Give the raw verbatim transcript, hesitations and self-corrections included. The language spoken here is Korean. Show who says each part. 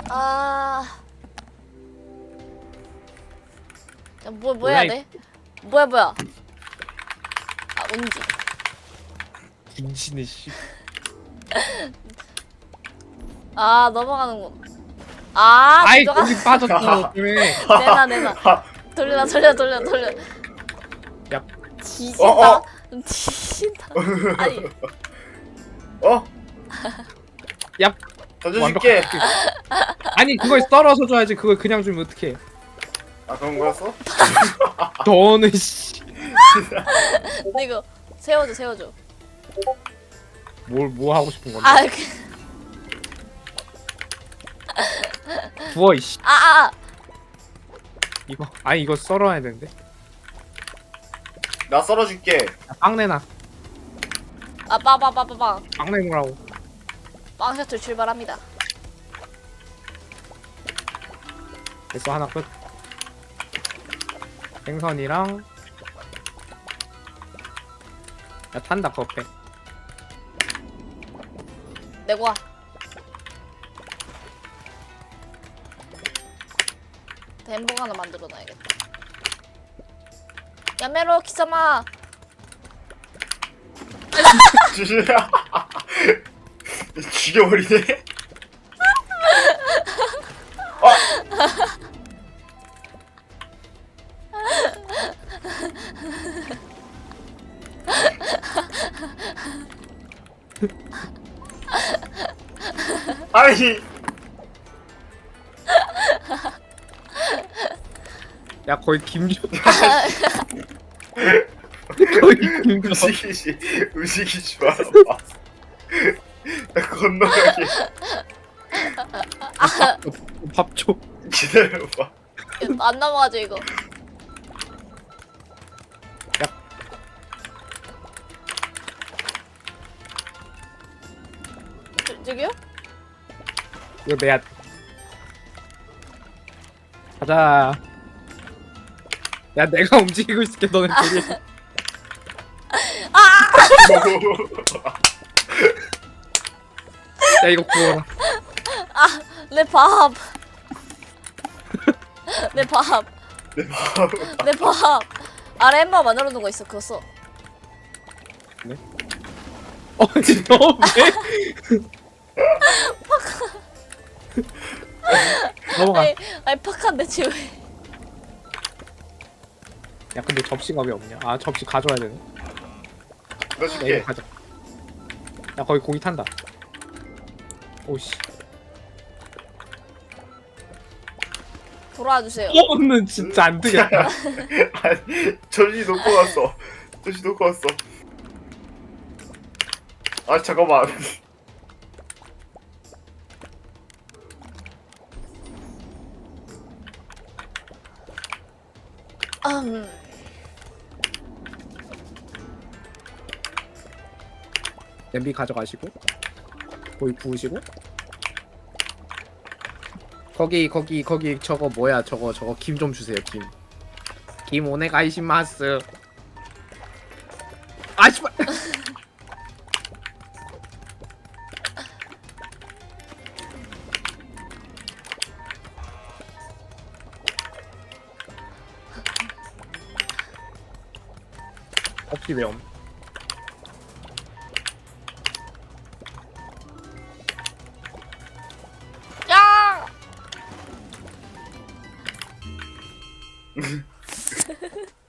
Speaker 1: 아. 야, 뭐, 뭐 해야 돼? 뭐야, 뭐야. 아, 운지.
Speaker 2: 군신의 씨.
Speaker 1: 아, 넘어가는군. 아,
Speaker 2: 아이
Speaker 1: 들어가.
Speaker 2: 거기 빠졌어. 그래.
Speaker 1: 내놔, 내놔. 돌려, 돌려, 돌려, 돌려.
Speaker 2: 야.
Speaker 1: 뒤진다.
Speaker 3: 어, 어.
Speaker 1: 뒤진다. 아니,
Speaker 3: 어?
Speaker 2: 야.
Speaker 3: 던져줄게.
Speaker 2: 아니 그걸 썰어서 줘야지. 그걸 그냥 주면 어떡해.
Speaker 3: 아 그런 거였어?
Speaker 2: 너는 씨.
Speaker 1: 근데 이거 세워줘, 세워줘.
Speaker 2: 뭘 뭐 하고 싶은 건데?
Speaker 1: 아, 그,
Speaker 2: 부어 이씨.
Speaker 1: 아, 아, 아.
Speaker 2: 이거 아니 이거 썰어야 되는데.
Speaker 3: 나 썰어줄게.
Speaker 2: 야, 빵 내놔.
Speaker 1: 아, 빠빠빠빠빵.
Speaker 2: 빵 내놓으라고.
Speaker 1: 빵 셔틀 출발합니다.
Speaker 2: 됐어 하나 끝. 생선이랑. 야 탄다 그거 빼.
Speaker 1: 내고 와. 햄버거 하나 만들어 놔야겠다. 야메로 키사마.
Speaker 3: 죽여버리네. 아니.
Speaker 2: 야 거의 김조. 거의 김조.
Speaker 3: 움직이지 움직이지 마라. 나 건너가게.
Speaker 2: 밥 줘.
Speaker 3: 기다려봐.
Speaker 1: 안 넘어가죠 이거. 저, 저기요?
Speaker 2: 이거 내야. 가자. 야 내가 움직이고 있을게 너는 저기. 야 이거 구워라.
Speaker 1: 내 밥. 내 밥.
Speaker 3: 내 마음.
Speaker 1: 내 밥. 아래 햄버거 만들어 놓은 거 있어. 그거 써.
Speaker 2: 어 진짜 왜? 넘어가.
Speaker 1: 아니, 아니 팍한데 지금.
Speaker 2: 야 근데 접시가 왜 없냐? 아 접시 가져와야 되네.
Speaker 3: 너
Speaker 2: 야
Speaker 3: 줄게.
Speaker 2: 이거 가져. 야 거기 고기 탄다. 오씨.
Speaker 1: 돌아와 주세요.
Speaker 2: 너는 진짜 안 되겠다.
Speaker 3: 아니 전시 놓고 왔어. 전시 놓고 왔어. 아 잠깐만.
Speaker 1: 음.
Speaker 2: 냄비 가져가시고 고기 구우시고 거기 거기 거기 저거 뭐야 저거 저거 김 좀 주세요 김. 김 오네가이시마스. 아 씨발. 없지 왜 없?
Speaker 1: 야!